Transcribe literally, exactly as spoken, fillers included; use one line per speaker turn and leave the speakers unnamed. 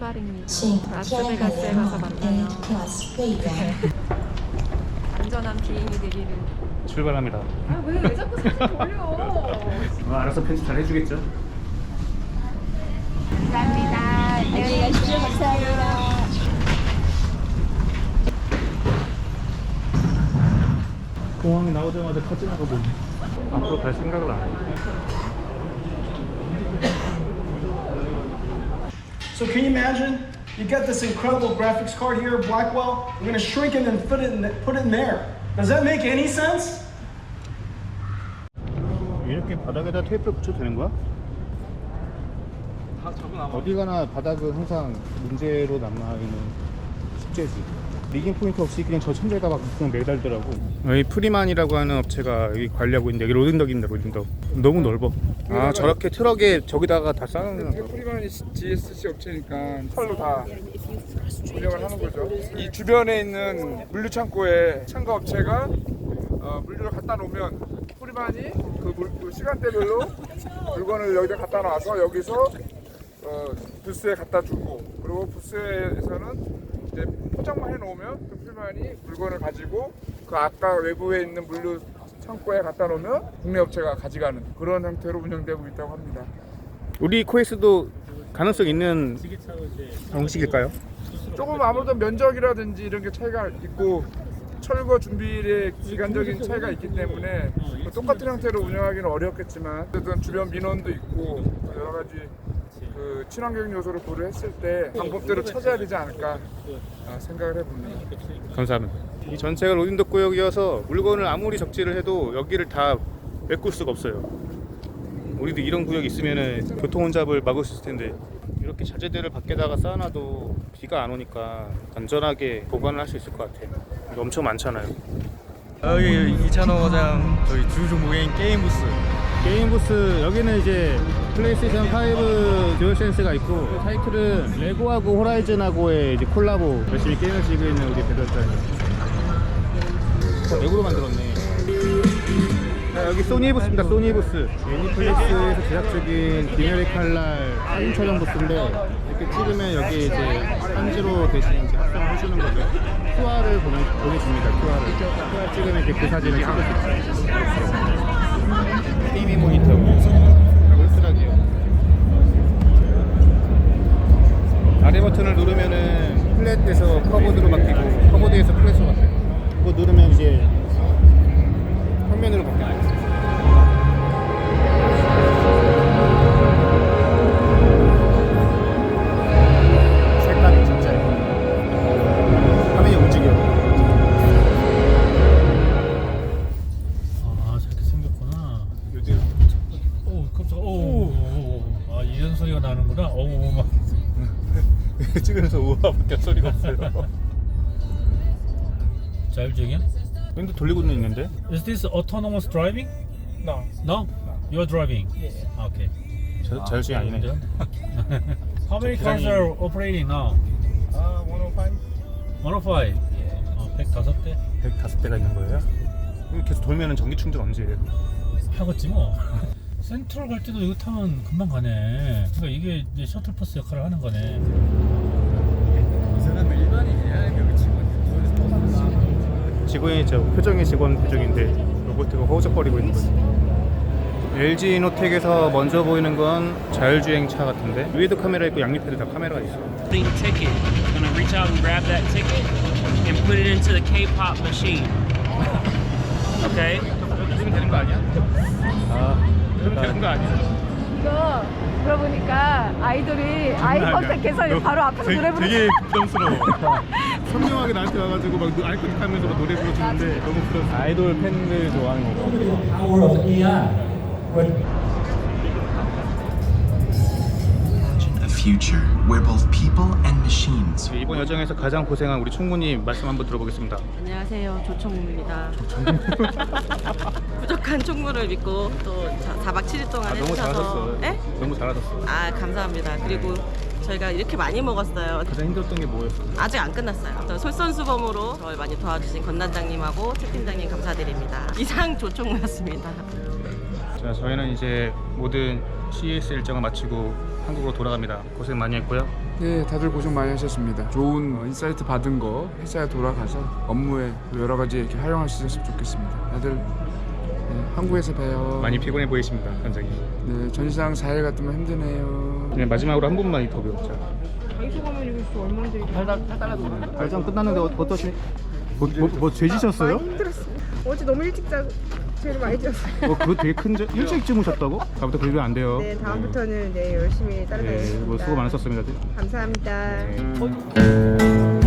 출발입니다. 라스베가스에 가서 만나요. 안전한 비행이 되기를.
출발합니다.
아, 왜, 왜 자꾸 사진 돌려?
어, 알아서 편집 잘 해주겠죠?
감사합니다. 안녕히 가십시오. 감사합니다.
공항에 나오자마자 터지나가 보네. 앞으로 갈 생각을 안 해.
So can you imagine? You got this incredible graphics card here, Blackwell. We're gonna shrink it and put it in, put it in there. Does that make any sense?
이렇게 바닥에다 테이프를 붙여도 되는 거야? 어디 가나 바닥은 항상 문제로 남아있는 숙제지. 리깅 포인트 없이 그냥 저 천장에다 막 그냥 매달더라고. 여기 프리만이라고 하는 업체가 여기 관리하고 있는데 여기 로딩덕입니다. 로딩덕 너무 넓어. 아 저렇게 트럭에 저기다가 다 쌓아놓는 거.
프리만이 지에스씨 업체니까 철로 다 운영을 하는 거죠. 이 주변에 있는 물류 창고에 참가 업체가 어, 물류를 갖다 놓으면 프리만이 그, 물, 그 시간대별로 물건을 여기다 갖다 놔서 여기서 어, 부스에 갖다 주고, 그리고 부스에서는 이제 포장만 해놓으면 그 프리만이 물건을 가지고 그 아까 외부에 있는 물류 창고에 갖다 놓으면 국내 업체가 가져가는 그런 형태로 운영되고 있다고 합니다.
우리 코에스도 가능성 있는 방식일까요?
조금 아무래도 면적이라든지 이런 게 차이가 있고 철거 준비의 기간적인 차이가 있기 때문에 똑같은 형태로 운영하기는 어렵겠지만 어쨌든 주변 민원도 있고 여러 가지 그 친환경 요소를 고려했을 때 방법대로 찾아야 되지 않을까 생각을 해봅니다.
감사합니다. 이 전체가 로딩덕 구역이어서 물건을 아무리 적재를 해도 여기를 다 메꿀 수가 없어요. 우리도 이런 구역이 있으면은 교통 혼잡을 막을 수 있을 텐데 이렇게 자재들을 밖에다가 쌓아놔도 비가 안 오니까 안전하게 보관을 할 수 있을 것 같아요. 이거 엄청 많잖아요.
여기 이찬호장 저희 주 종목인 게임 부스.
게임 부스 여기는 이제 플레이스테이션 파이브 듀얼센스가 있고 타이틀은 레고하고 호라이즌하고의 이제 콜라보 열심히 게임을 즐기고 있는 우리 배달자님. 레고로 만들었네. 자, 여기 소니 부스입니다. 소니 부스. 애니플렉스에서 제작 중인 기네리 칼날 사진 촬영 부스인데 이렇게 찍으면 여기 이제 편지로 대신 이제 합성을 해주는 거죠. 큐알을 보내, 보내줍니다. 큐알을. 큐알 찍으면 이렇게 그 사진을 찍을 수 있어요. 티비 모니터 울스락이요. 아래 버튼을 누르면은 플랫에서 커브드로 바뀌고 커브드에서 플랫으로 바뀌어요. 그거 누르면 이제 평면으로 바뀌어요. 색깔이 진짜 화면이 움직여요.
아 저렇게 생겼구나.
요즘
오 깜짝. 오. 아 이런 소리가 나는구나. 오 막.
찍으면서 우와밖에 소리가 없어요.
자율주행이야?
근데 돌리고는 있는데?
Is this autonomous driving?
No.
No? You're driving?
Yeah.
아, okay.
자, 자율주행 아니네.
How many cars are operating now?
아, 백오십.
백오. 어, 백오 대?
백오 대가 있는 거예요? 그럼 계속 돌면은 전기 충전 언제 해요?
하겠지 뭐. 센트럴 갈 때도 이거 타면 금방 가네. 그러니까 이게 이제 셔틀버스 역할을 하는 거네.
이 사람은 일반인이야? 여기 직원이?
직원이죠. 표정이 직원 표정인데 로봇가 허우적거리고 있는 거죠. 엘지 이노텍에서 먼저 보이는 건 자율주행 차 같은데 위에도 카메라 있고 양옆에도 다 카메라가 있어.
Putting ticket. Gonna reach out and grab that ticket and put it into the K-pop machine. Okay?
그러면 되는 거 아니야? 아, 그러면 되는 거 아니야?
이거 들어보니까 아이돌이 아이 컨택해서 바로 앞에서 노래 부르는
되게 부담스러워. 선명하게 나한테 와가지고 막 아이 컨택하면서 막 노래 부르주는데 너무 부담스러워. 아이돌 팬들 좋아하는 거.
A future where both people and machines
이번 여정에서 가장 고생한 우리 총무님 말씀 한번 들어보겠습니다.
안녕하세요. 조총무입니다. 부족한 총무를 믿고 또 사 박 칠 일 동안
아, 너무
해주셔서
잘하셨어.
네?
너무 잘하셨어.
아 감사합니다. 그리고 저희가 이렇게 많이 먹었어요.
가장 힘들었던 게 뭐였어?
아직 안 끝났어요. 또 솔선수범으로 저를 많이 도와주신 권 단장님하고 채 팀장님 감사드립니다. 이상 조총무였습니다.
자, 저희는 이제 모든 씨이에스 일정을 마치고 한국으로 돌아갑니다. 고생 많이 했고요.
네, 다들 고생 많이 하셨습니다. 좋은 어, 인사이트 받은 거 회사에 돌아가서 업무에 여러 가지 이렇게 활용할 수 있었으면 좋겠습니다. 다들 네, 한국에서 봬요.
많이 피곤해 보이십니다, 관장님.
네, 전시장 사 일 갔더니 힘드네요.
네, 마지막으로 한 분만 인터뷰. 자,
다이소 가면 이거 진짜 얼마인데?
발전 끝났는데 어, 어떠시? 뭐, 뭐, 뭐 죄지셨어요?
힘들었어요. 어제 너무 일찍 자고 제일 많이 잤어요.
어, 그거 되게 큰 저, 일찍 주무셨다고? 다음부터 그러면 안 돼요.
네, 다음부터는 네 열심히
네,
따라가겠습니다.
뭐 수고 많으셨습니다.
감사합니다.
네.